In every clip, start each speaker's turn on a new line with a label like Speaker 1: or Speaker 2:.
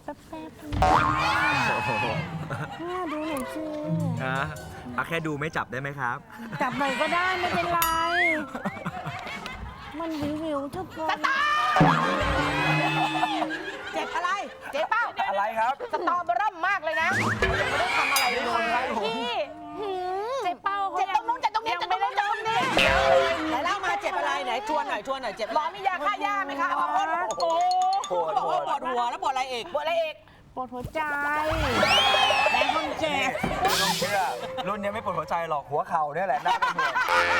Speaker 1: ป๊บๆดูหน่อยสิ
Speaker 2: เอาแค่ดูไม่จับได้ไหมครับ
Speaker 1: จับหน่อยก็ได้ไม่เป็นไร มันวิวทุกคน
Speaker 3: เจ็บอะไร เจ็บเป้า
Speaker 2: อะไรครับ
Speaker 3: สตอเบอร์เริ่มมากเลยนะยังไม่ได้ทำอะไรเลย
Speaker 1: พี่เจ๊เป้าเขา
Speaker 3: เจ็บตรงนู้นเจ็บตรงนี้เจ็บตรงนู้นเจ็บตรงนี้ไหนเล่ามาเจ็บอะไรไหนชวนหน่อยเจ็บหรอมียาฆ่าหญ้าไหมคะเอามาพ่นโอ้โหบอกว่าปวดหัวแล้วปวดอะไรอีกปวดอะไรอีก
Speaker 1: ปวดหัวใจแม่คนเจ็บ
Speaker 2: ต้องเชื่อรุ่นนี้ไม่ปวดหัวใจหรอกหัวเข่าเนี่ยแหละน่าเป็นห่วง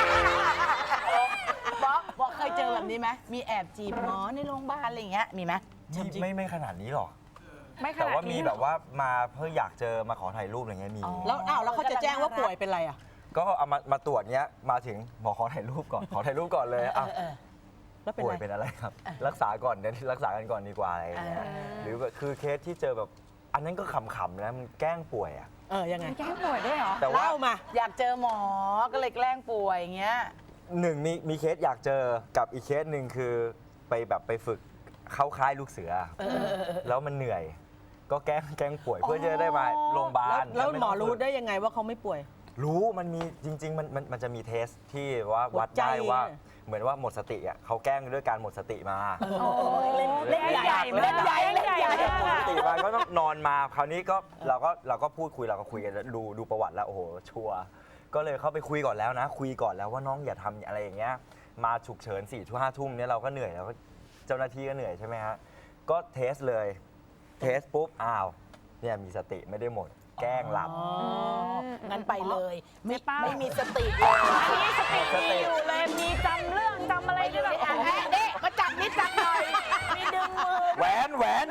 Speaker 3: บอกเคยเจอแบบนี้ไหมมีแอบจีบหมอในโรงพยาบาลอะไรอย่างเงี้ยมีไหม
Speaker 2: ไม่ขนาดนี้หรอก
Speaker 1: ไม่ข
Speaker 2: แต่
Speaker 1: นาด
Speaker 2: ว่ามี
Speaker 1: นี้
Speaker 2: แบบว่ามาเพื่ออยากเจอมาขอถ่ายรูปอะไรเงี้ยมี
Speaker 3: แล้วเขาจะแจ้งว่าป่วยเป็นอะไรอ่ะ
Speaker 2: ก็เอามาตรวจเงี้ยมาถึงบอกขอถ่ายรูปก่อนขอถ่ายรูปก่อนเลยอ้าว
Speaker 3: แล้วเป็น
Speaker 2: ป่วย
Speaker 3: ไร
Speaker 2: เป็นอะไรครับ รักษาก่อนเดี๋ยวรักษากันก่อนดีกว่าอะไรเงี้ยหรือแบบคือเคสที่เจอแบบอันนั้นก็ขำๆนะมันแกล้งป่วยอ่ะ
Speaker 3: ยังไง
Speaker 1: แก้ป่วยด้วยเหรอ
Speaker 2: แต่ว่า
Speaker 3: เล่ามาอยากเจอหมอก็เลยแกล้งป่วยอย่างเงี้ย
Speaker 2: หนึ่งมีเคสอยากเจอกับอีกเคสหนึ่งคือไปฝึกเข้าค่ายลูกเสือแล้วมันเหนื่อย ก็แกล้งป่วยเพื่อจะได้มาโรงพยาบาล
Speaker 3: แล้วหมอรู้
Speaker 2: ได้
Speaker 3: ได้ยังไงว่าเขาไม่ป่วย
Speaker 2: รู้มันมีจริง ๆ มันจะมีเทสที่ว่าวัดได้ว่าเหมือนว่าหมดสติอ่ะเขาแกล้งด้วยการหมดสติมา
Speaker 3: เล่นใหญ่
Speaker 2: หมดสติมาก็ต้องนอนมาคราวนี้ก็เราก็พูดคุยเราก็คุยกันดูประวัติแล้วโอ้โหชัวร์ก็เลยเข้าไปคุยก่อนแล้วนะ คุยก่อนแล้วว่าน้องอย่าทำอะไรอย่างเงี้ยมาฉุกเฉิน4 ทุ่ม 5 ทุ่มเนี่ยเราก็เหนื่อยแล้วก็เจ้าหน้าที่ก็เหนื่อยใช่ไหมฮะก็เทสเลยเทสปุ๊บอ้าวเนี่ยมีสติไม่ได้หมดแกล้งหลับ
Speaker 3: งั้นไปเลย
Speaker 1: เจ๊เป้า
Speaker 3: ไม่มีสติเลย
Speaker 1: อันนี้สติมีอยู่เลยมีจำเรื่องจำอะไรได้แบบ
Speaker 3: เด็กมาจับนิดจับหน่อย
Speaker 1: มีดึงมือ
Speaker 2: แหวน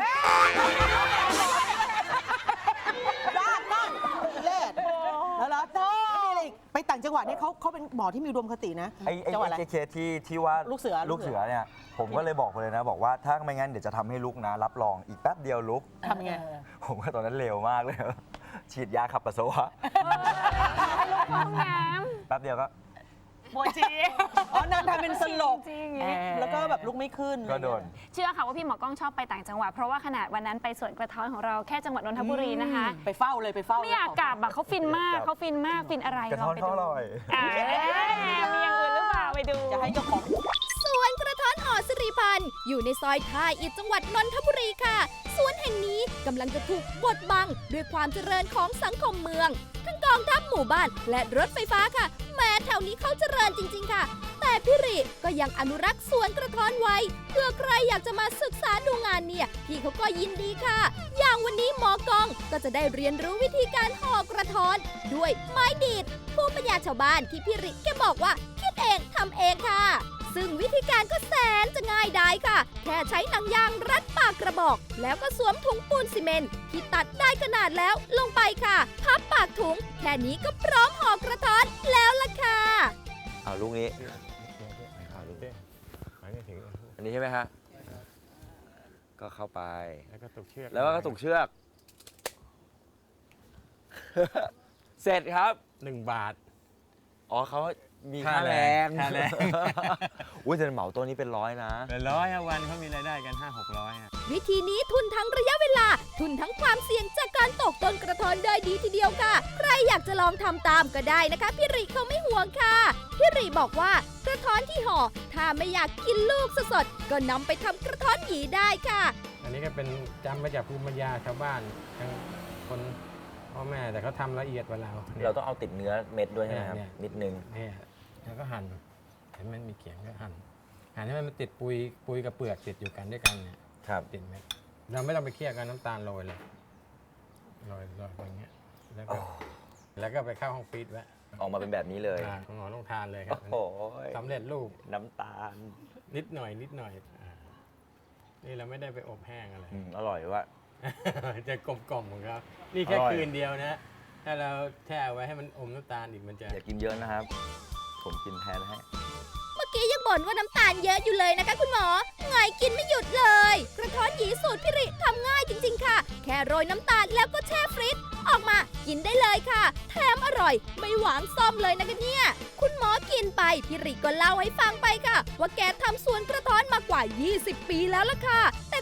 Speaker 3: ด้านนั่นเล่แล้วไปต่างจังหวัดนี่เขาเป็นหมอที่มีอุดมคตินะ
Speaker 2: ไอ้
Speaker 3: จังหวัดอะไร
Speaker 2: เคสที่ว่า
Speaker 3: ลูกเสือ
Speaker 2: เนี่ยผมก็เลยบอกไปเลยนะบอกว่าถ้าไม่งั้นเดี๋ยวจะทำให้ลุกนะรับรองอีกแป๊บเดียวลุก
Speaker 3: ทำไง
Speaker 2: ผมก็ตอนนั้นเร็วมากเลย ฉีดยาขับปัสสาวะ
Speaker 1: ห้องน้
Speaker 2: แป๊บเดียวก็
Speaker 1: ำปวดจี
Speaker 3: อ๋อนางทำเป็นสลบ
Speaker 1: จริง
Speaker 3: แล้วก็แบบลุกไม่ขึ้น
Speaker 2: ก็โดน
Speaker 4: เชื่อค่ะว่าพี่หมอกล้องชอบไปต่างจังหวัดเพราะว่าขนาดวันนั้นไปสวนกระท้อนของเราแค่จังหวัดนนทบุรีนะคะ
Speaker 3: ไปเฝ้าเลยไปเฝ้า
Speaker 4: ไม่อยากกลับอะเขาฟินมากเขาฟินมากฟินอะไร
Speaker 2: กระท้อน
Speaker 4: ลงไป
Speaker 2: เขา
Speaker 4: ดู
Speaker 2: อร่อย
Speaker 4: มีอย่างอื่นหรือเปล่าไปดู
Speaker 3: จะให้เจ้าของ
Speaker 5: สวนกระท้อนหอสิริพันธ์อยู่ในซอยท่าอิฐจังหวัดนนทบุรีค่ะ สวนแห่งนี้กำลังจะถูกบดบังด้วยความเจริญของสังคมเมือง ทั้งกองทัพหมู่บ้านและรถไฟฟ้าค่ะแม้แถวนี้เขาเจริญจริงๆค่ะ แต่พี่ริก็ยังอนุรักษ์สวนกระท้อนไว้เพื่อใครอยากจะมาศึกษาดูงานเนี่ยพี่เขาก็ยินดีค่ะ อย่างวันนี้หมอกองก็จะได้เรียนรู้วิธีการห่อกระท้อนด้วยไม้ดีดภูมิปัญญาชาวบ้านที่พี่ริแกบอกว่าคิดเองทำเองค่ะ ซึ่งวิธีการก็แสนจะง่ายดายค่ะ แค่ใช้หนังยางรัดปากกระบอก แล้วก็สวมถุงปูนซีเมนต์ที่ตัดได้ขนาดแล้วลงไปค่ะ พับปากถุง แค่นี้ก็พร้อมห่อกระท้อนแล้วล่ะค่ะ
Speaker 2: เอาลูกนี้ อันนี้ใช่ไหมฮะ ก็เข้าไป
Speaker 6: แล้วก็ตกเชือก
Speaker 2: แล้วก็ตุกเชือก เสร็จครับ
Speaker 6: 1 บาท
Speaker 2: อ๋อเขามีค่าแรง
Speaker 6: ค่าแรง
Speaker 2: อุ้ยแต่เหมาตัวนี้เป็น100นะ
Speaker 6: เป็น100วันเขามีรายได้กัน 500-600
Speaker 5: วิธีนี้ทุนทั้งระยะเวลา ทุนทั้งความเสี่ยงจากการตกต้นกระท้อนได้ดีทีเดียวค่ะ ใครอยากจะลองทำตามก็ได้นะคะพี่ริเขาไม่ห่วงค่ะพี่ริบอกว่ากระท้อนที่ห่อถ้าไม่อยากกินลูกสดๆก็นำไปทำกระท้อนหยีได้ค่ะ
Speaker 6: อันนี้ก็เป็นจำมาจากภูมิปัญญาชาวบ้านทั้งคนพ่อแม่แต่เขาทำละเอียดกว่าเรานี่ย
Speaker 2: เราต้องเอาติดเนื้อเม็ดด้วยใช่ไหมครับ
Speaker 6: เนี่ย
Speaker 2: นิดนึง
Speaker 6: เนี่ยแล้วก็หั่นเห็นมันมีเขียงก็หั่นให้มันติดปุยกับเปลือกติดอยู่กันด้วยกันเนี่ย
Speaker 2: ครับ
Speaker 6: ติดเม็ดเราไม่ต้องไปเคี่ยวกับน้ำตาลโรยเลยโรยอย่างเงี้ยแล้วก็ไปเข้าห้องฟรีซไว้
Speaker 2: ออกมาเป็นแบบนี้เลย
Speaker 6: คุณหมอต้องทานเลยครั
Speaker 2: โอ้
Speaker 6: บ
Speaker 2: โห
Speaker 6: สำเร็จรูป
Speaker 2: น้ำตาล
Speaker 6: นิดหน่อยนี่เราไม่ได้ไปอบแห้งอะไร
Speaker 2: อร่อยว่ะ
Speaker 6: จะกลมๆของเขานี่แค่
Speaker 2: อร่อย
Speaker 6: คืนเดียวนะ ถ้าเราแช่ไว้ให้มันอมน้ำตาลอีกมันจะ
Speaker 2: อย่ากินเยอะนะครับ ผมกินแทนให้
Speaker 5: เมื่อกี้ยังบ่นว่าน้ำตาลเยอะอยู่เลยนะคะคุณหมอไงกินไม่หยุดเลย กระท้อนหยีสูตรพิริทำง่ายจริงๆค่ะ แค่โรยน้ำตาลแล้วก็แช่ฟรีซออกมากินได้เลยค่ะ แถมอร่อยไม่หวานซ่อมเลยนะคะเนี่ย คุณหมอกินไปพิริก็เล่าให้ฟังไปค่ะ ว่าแกทำสวนกระท้อนมากว่า 20 ปีแล้วล่ะค่ะ แต่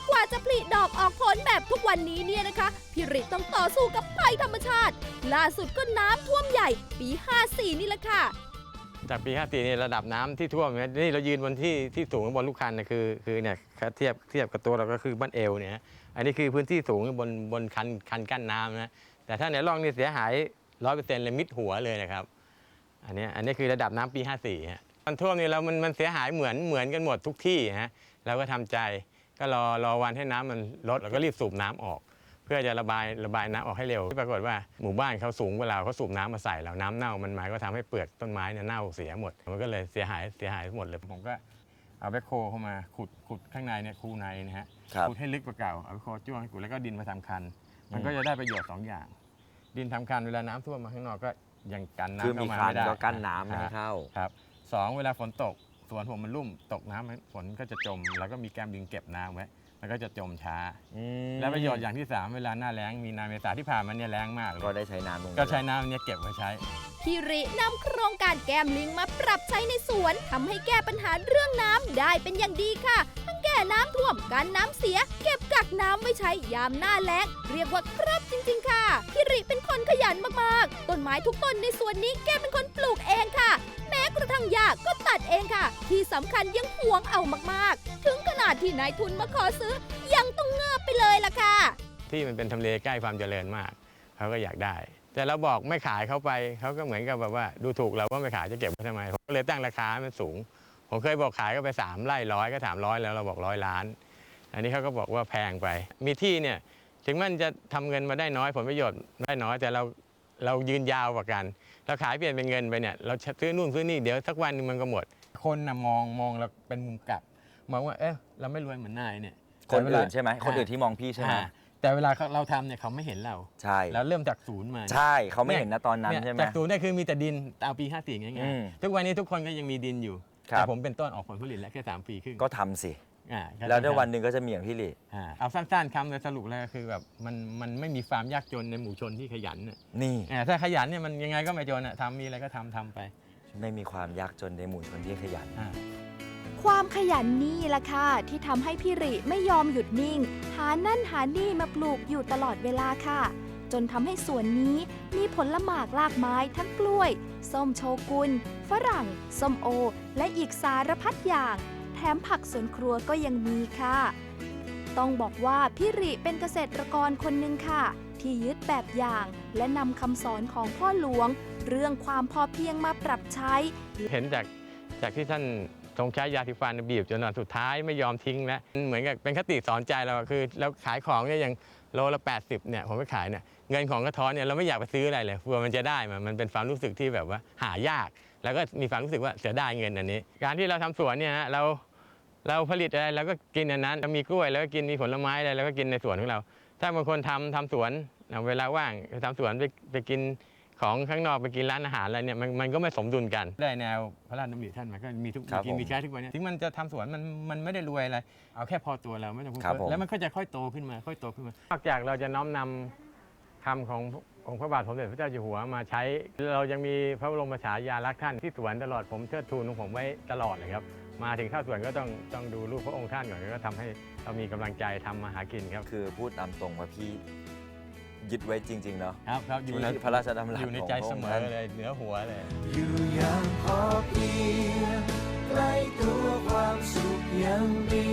Speaker 5: กว่าจะผลิดอกออกผลแบบทุกวันนี้เนี่ยนะคะพี่ริต้องต่อสู้กับภัยธรรมชาติล่าสุดก็น้ำท่วมใหญ่ปี 54 นี่แหละค่ะ
Speaker 6: จากปี 54นี่ระดับน้ำที่ท่วมเนี่ยนี่เรายืนบนที่สูงบนลูกคันนะคือเนี่ยเทียบกับตัวเราก็คือบ้านเอวเนี่ยอันนี้คือพื้นที่สูงบนคันกั้นน้ำนะแต่ถ้าในร่องนี่เสียหาย 100% เลยมิดหัวเลยนะครับอันนี้คือระดับน้ำปี 54ฮะตอนท่วมนี่มันเสียหายเหมือนกันหมดทุกที่ฮะเราก็ทำใจก็รอวันให้น้ำมันลดแล้วก็รีบสูบน้ำออก เพื่อจะระบายน้ำออกให้เร็วปรากฏว่าหมู่บ้านเขาสูงกว่าเราเขาสูบน้ำมาใส่เราน้ำเน่ามันหมายก็ทำให้เปลือกต้นไม้เนี่ยเน่าเสียหมดมันก็เลยเสียหายหมดเลยผมก็เอาแบคโคเข้ามาขุดข้างในเนี่ยคูในนะฮะขุดให้ลึกกว่าเก่าเอาแบคโคจ้วงให้ขุดแล้วก็ดินมาทำคันมันก็จะได้ประโยชน์2 อย่าง ดินทำคันเวลาน้ำท่วมมาข้างนอกก็ยังกันน้ำเข้ามาไม่ได้
Speaker 2: คือมีคันก็กั้นน้ำไม่ให้เข้า
Speaker 6: ครับ2เวลาฝนตกสวนผมมันลุ่มตกน้ำฝนก็จะจมแล้วก็มีแก้มดินเก็บน้ำไว้มันก็จะจมช้าและประโยชน์อย่างที่3เวลาหน้าแล้งมีนาเมษาที่ผ่านมาเนี่ยแล้งมากเลย
Speaker 2: ก็ได้ใช้น้ำตรงนี้
Speaker 6: ก็ใช้น้ำเนี่ยเก็บไว้ใช้
Speaker 5: พี่รินำโครงการแก้มลิงมาปรับใช้ในสวนทำให้แก้ปัญหาเรื่องน้ำได้เป็นอย่างดีค่ะ ทั้งแก้น้ำท่วมกันน้ำเสีย เก็บกักน้ำไว้ใช้ยามหน้าแล้ง เรียกว่าครบจริงๆค่ะพี่ริเป็นคนขยันมากๆต้นไม้ทุกต้นในสวนนี้แกเป็นคนปลูกเองค่ะ แม้กระทั่งหญ้าก็ตัดเองค่ะ ที่สำคัญยังหวงเอามากๆ ถึงขนาดที่นายทุนมาขอซื้อยังต้องเงือบไปเลยล่ะค่ะ
Speaker 6: ที่มันเป็นทำเลใกล้ความเจริญมากเขาก็อยากได้ แต่เราบอกไม่ขายเขาไปเขาก็เหมือนกับแบบว่าดูถูกเราว่าไม่ขายจะเก็บไว้ทำไมผมก็เลยตั้งราคาให้มันสูงผมเคยบอกขายก็ไป3 ไร่100ก็300แล้วเราบอก100 ล้านอันนี้เขาก็บอกว่าแพงไปมีที่เนี่ยถึงมันจะทำเงินมาได้น้อยผลประโยชน์ได้น้อยแต่เรายืนยาวกว่ากันเราขายเปลี่ยนเป็นเงินไปเนี่ยเราซื้อนู่นซื้อนี่เดี๋ยวสักวันนึงมันก็หมดคนนะมองเราเป็นมุมกลับมองว่าเราไม่รวยเหมือนนายเนี่ย
Speaker 2: คนอื่นใช่ไหมคนอื่นที่มองพี่ใช่ไหม
Speaker 6: แต่เวลาเราทำเนี่ยเขาไม่เห็นเรา
Speaker 2: ใช่
Speaker 6: แล้วเริ่มจากศูนย์มา
Speaker 2: ใช่เขาไม่เห็นนะตอนนั้นใช่ไหม
Speaker 6: จากศูนย์เนี่ยคือมีแต่ดินเอาปี 54ง่ายๆทุกวันนี้ทุกคนก็ยังมีดินอยู่
Speaker 2: ครับ
Speaker 6: แต่ผมเป็นต้นออกผลผลิตแล้วแค่3 ปีครึ่ง
Speaker 2: ก็ทำสิ
Speaker 6: ก็
Speaker 2: แล้วในวันหนึ่งก็จะมีอย่างพี่หลี
Speaker 6: เอาสั้นๆคำเลยสรุปแล้วก็คือแบบมันไม่มีความยากจนในหมู่ชนที่ขยันน่ะ
Speaker 2: นี่
Speaker 6: ถ้าขยันเนี่ยมันยังไงก็ไม่จนทำมีอะไรก็ทำไป
Speaker 2: ไม่มีความยากจนในหมู่ชนที่ขยัน
Speaker 5: ความขยันนี่แหละค่ะที่ทำให้พี่ริไม่ยอมหยุดนิ่ง หานั่นหานี่มาปลูกอยู่ตลอดเวลาค่ะ จนทำให้สวนนี้มีผลหมากลากไม้ทั้งกล้วย ส้มโชกุนฝรั่ง ส้มโอ และอีกสารพัดอย่าง แถมผักสวนครัวก็ยังมีค่ะ ต้องบอกว่าพี่ริเป็นเกษตรกรคนหนึ่งค่ะ ที่ยึดแบบอย่าง และนำคำสอนของพ่อหลวง เรื่องความพอเพียงมาปรับใช้
Speaker 6: เห็นจากที่ท่านทรงใช้ยาสีฟันบีบจนวันสุดท้ายไม่ยอมทิ้งแล้วเหมือนกับเป็นคติสอนใจเราคือเราขายของเนี่ยอย่างโลละ80เนี่ยผมไปขายเนี่ยเงินของกระท้อนเนี่ยเราไม่อยากไปซื้ออะไรเลยกลัวมันจะได้มันเป็นความรู้สึกที่แบบว่าหายาก แล้วก็มีความรู้สึกว่าเสียดายเงินอันนี้การที่เราทำสวนเนี่ยฮะเราผลิตอะไรเราก็กินอันนั้นมีกล้วยแล้วก็กินมีผลไม้อะไรแล้วก็กินในสวนของเราถ้าบางคนทำสวนเวลาว่างทำสวนไปกินของข้างนอกไปกินร้านอาหารอะไรเนี่ยมันก็ไม่สมดุลกันได้แนวพระราชดำริท่านมันก็มีทุกกินมีใช้ทุกวันนี้ถึงมันจะทำสวนมันไม่ได้รวยอะไรเอาแค่พอตัวเราไม่ต้องแล้วมันก็จะค่อยโตขึ้นมานอกจากเราจะน้อมนำคำขององค์พระบาทสมเด็จพระเจ้าอยู่หัวมาใช้เรายังมีพระบรมฉายาลักษณ์ท่านที่สวนตลอดผมเทิดทูนของผมไว้ตลอดเลยครับมาถึงเข้าสวนก็ต้องดูรูปพระองค์ท่านก่อนก็ทำให้เรามีกำลังใจทำมาหากินครับ
Speaker 2: คือพูดตามตรงว่าพี่ยึดไว้จริงๆเนาะ
Speaker 6: ครับอยู่ใน
Speaker 2: ที่พระราชดำรัส
Speaker 6: อยู่ในใจเสมอเลยเหนือหัวเลย
Speaker 7: อยู่อย่างพอเพียงใกล้ตัวความสุขยังมี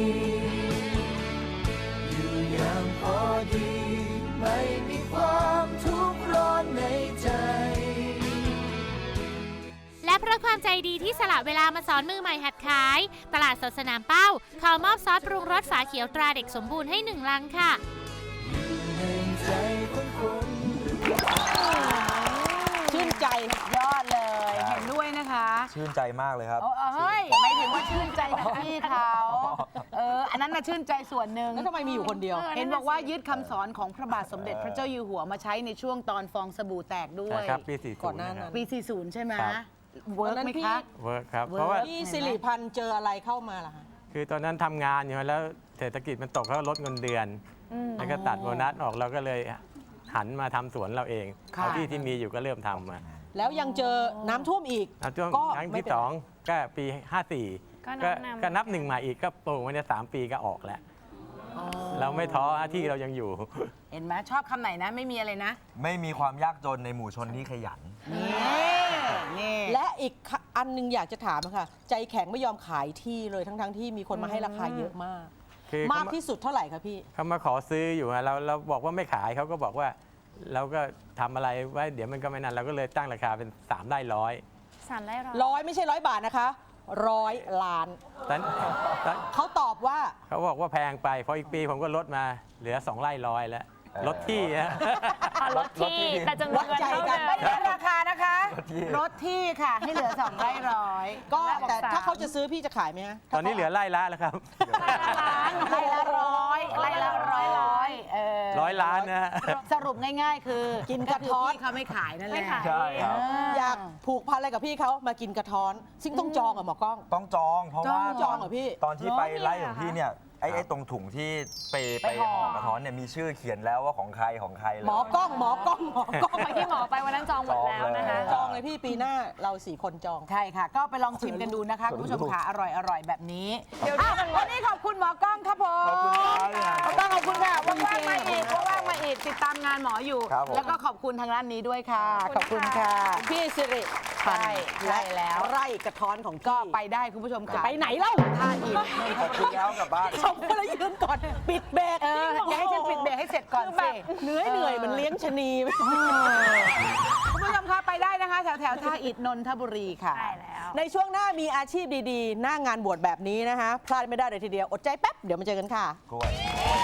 Speaker 7: อยู่อย่างพอดีไม่มีความทุกข์ร้อนในใจ
Speaker 8: และเพราะความใจดีที่สละเวลามาสอนมือใหม่หัดขายตลาดสดสนามเป้าขอมอบซอสปรุงรสฝาเขียวตราเด็กสมบูรณ์ให้1 ลังค่ะ
Speaker 3: ชื่นใจยอดเลยเห็นด้วยนะคะ
Speaker 2: ชื่นใจมากเลยครับ
Speaker 3: เฮ้ยไม่ถึงว่าชื่นใจกับพี่เขาอันนั้นน่ะชื่นใจส่วนหนึ่งแล้วทำไมมีอยู่คนเดียว เห็นบอกว่ายึดคำสอนของพระบาทสมเด็จพระเจ้าอยู่หัวมาใช้ในช่วงตอนฟองสบู่แตกด้วย
Speaker 6: ครับปี40ก่อนหน้านั้น
Speaker 3: ปี 40 ใช่ไหม
Speaker 6: ครับ
Speaker 3: เวิร์กไหมคะ
Speaker 6: เวิร์คครับเพราะว่า
Speaker 3: พี่สิริพันธ์เจออะไรเข้ามาล่ะคะ
Speaker 6: คือตอนนั้นทำงานอยู่แล้วเศรษฐกิจมันตกแล้วลดเงินเดือนแล้วก็ตัดโบนัสออกเราก็เลยหันมาทำสวนเราเองเอาที่มีอยู่ก็เริ่มทำมา
Speaker 9: แล้วยังเจอน้ำท่วมอีก
Speaker 6: ช่วงครั้งที่2ก็ปี 54ก็นับ1มาอีกก็ปลูกมาเนี่ย3 ปีก็ออกแล้วเราไม่ท้อที่เรายังอยู่
Speaker 3: เห็นไหมชอบคำไหนนะไม่มีอะไรนะ
Speaker 2: ไม่มีความยากจนในหมู่ชนที่ขยัน
Speaker 3: นี่
Speaker 9: และอีกอันหนึงอยากจะถามค่ะ ใจแข็งไม่ยอมขายที่เลยทั้งที่มีคนมาให้ราคาเยอะมาก
Speaker 6: คือ
Speaker 9: มากที่สุดเท่าไหร่คะพี่
Speaker 6: เขามาขอซื้ออยู่อะเราบอกว่าไม่ขายเขาก็บอกว่า เราก็ทำอะไรไว้เดี๋ยวมันก็ไม่นานเราก็เลยตั้งราคาเป็น3 ไร่ร้อย
Speaker 4: 3 ไร่ร้อย
Speaker 9: ร้อยไม่ใช่100 บาทนะคะ100 ล้าน
Speaker 6: ตอน
Speaker 9: เขาตอบว่า
Speaker 6: เขาบอกว่าแพงไปพออีกปีผมก็ลดมาเหลือ2 ไร่ร้อยแล้วลดที่ฮะ
Speaker 4: ลดที่แต่จำนวนเงินเท่าเดิม
Speaker 3: ไม่ได้ราคานะคะ
Speaker 2: รถที่
Speaker 3: รถที่ค่ะให้เหลือ2ไร่ร้อย
Speaker 9: ก็แต่ถ้าเขาจะซื้อพี่จะขายไหมฮะ
Speaker 6: ตอนนี้เหลือไร่ละแล้วครับ
Speaker 3: ไร่ละร้อยไร่ละร้อย
Speaker 6: 100 ล้านนะฮะ
Speaker 3: สรุปง่ายๆ คือ
Speaker 9: กินกระท้อน
Speaker 3: พี่เขาไม่ขายนั่นแห
Speaker 4: ไม่
Speaker 3: ละ
Speaker 4: ขาย
Speaker 2: ใช่ครับ
Speaker 9: อยากผูกพันอะไรกับพี่เขามากินกระท้อน ซึ่งต้องจองกับหมอกล้อง
Speaker 2: ต้องจองเพราะว่า
Speaker 9: จองเหรอพี่
Speaker 2: ตอนที่ไปไล่ของพี่เนี่ยไอ้ตรงถุงที่ไปห่อกระท้อนเนี่ยมีชื่อเขียนแล้วว่าของใครเลย
Speaker 9: หมอกล้อง
Speaker 4: เมื่อกี้หมอไปวันนั้นจองหมดแล้วนะคะ
Speaker 9: จองเลยพี่ปีหน้าเรา4 คนจอง
Speaker 3: ใช่ค่ะ ก็ไปลองชิมกันดูนะคะคุณผู้ชมค่ะอร่อยแบบนี้วันนี้ขอบคุณหมอกล้องครับผม
Speaker 2: ขอบคุณครับ
Speaker 3: หมอกล้องขอบคุณค่ะว่างๆมาอีกติดตามงานหมออยู่
Speaker 2: ครับผม
Speaker 3: แล้วก็ขอบคุณทางร้านนี้ด้วยค่ะ ขอบคุณค่ะ
Speaker 9: พี่สิริ
Speaker 3: ใช่แล้ว
Speaker 9: ไร่กระท้อนของ
Speaker 3: ก็
Speaker 9: พี่
Speaker 3: ไปได้คุณผู้ชมค่ะ
Speaker 9: ไปไหนเล่า
Speaker 3: ท่าอิฐ
Speaker 2: ขอบคุณแล้วกลับบ้าน
Speaker 9: ชมก็เลยยืนก่อนปิดเบรก
Speaker 3: อย่าให้ฉันปิดเบรกให้เสร็จก่อนสิ
Speaker 9: เหนื่อยมันเลี้ยงชะนี
Speaker 3: คุณผู้ชมคะไปได้นะคะ แถวท่าอิฐนนทบุรีค่ะ
Speaker 4: ใช่แล้ว
Speaker 9: ในช่วงหน้ามีอาชีพดีๆ หน้างานบวชแบบนี้นะคะพลาดไม่ได้เลยทีเดียว อดใจแป๊บ เดี๋ยวมาเจอกันค่ะ
Speaker 2: กล้วย